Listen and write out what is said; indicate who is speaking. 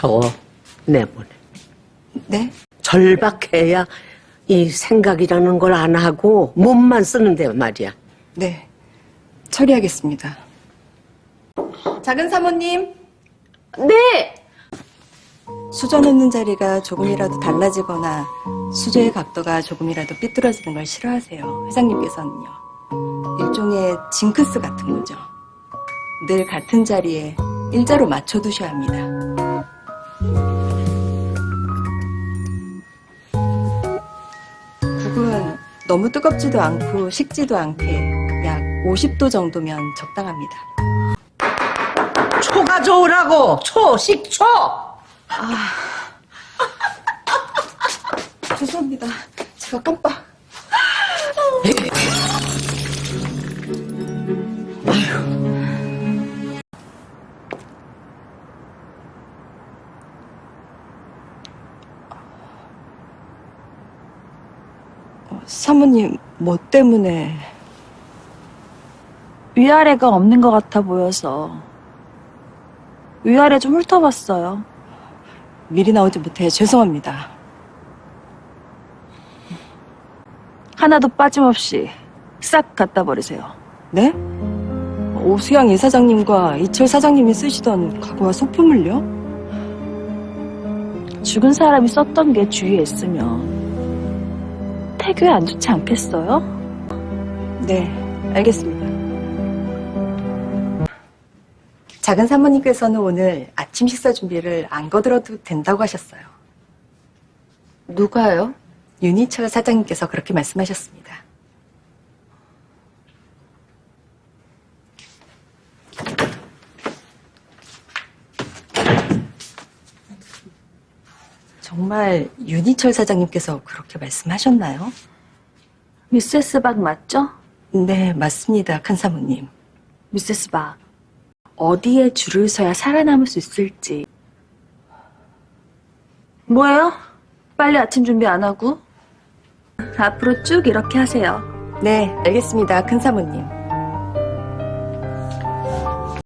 Speaker 1: 저거 내보내.
Speaker 2: 네?
Speaker 1: 절박해야 이 생각이라는 걸 안 하고 몸만 쓰는데 말이야.
Speaker 2: 네. 처리하겠습니다. 작은 사모님.
Speaker 3: 네!
Speaker 2: 수저 넣는 자리가 조금이라도 달라지거나 수저의 각도가 조금이라도 삐뚤어지는 걸 싫어하세요. 회장님께서는요. 일종의 징크스 같은 거죠. 늘 같은 자리에 일자로 맞춰두셔야 합니다. 국은 너무 뜨겁지도 않고 식지도 않게 약 50도 정도면 적당합니다.
Speaker 1: 초 가져오라고. 초, 식초.
Speaker 2: 죄송합니다. 제가 깜빡. 사모님, 뭐 때문에?
Speaker 3: 위아래가 없는 것 같아 보여서 위아래 좀 훑어봤어요.
Speaker 2: 미리 나오지 못해 죄송합니다.
Speaker 3: 하나도 빠짐없이 싹 갖다 버리세요.
Speaker 2: 네? 오수양 이사장님과 이철 사장님이 쓰시던 가구와 소품을요?
Speaker 3: 죽은 사람이 썼던 게 주위에 있으면 태교에 안 좋지 않겠어요?
Speaker 2: 네, 알겠습니다. 작은 사모님께서는 오늘 아침 식사 준비를 안 거들어도 된다고 하셨어요.
Speaker 3: 누가요?
Speaker 2: 윤희철 사장님께서 그렇게 말씀하셨습니다. 정말 윤희철 사장님께서 그렇게 말씀하셨나요?
Speaker 3: 미세스 박 맞죠?
Speaker 2: 네, 맞습니다, 큰 사모님.
Speaker 3: 미세스 박. 어디에 줄을 서야 살아남을 수 있을지. 뭐예요? 빨리 아침 준비 안 하고? 앞으로 쭉 이렇게 하세요.
Speaker 2: 네, 알겠습니다, 큰 사모님.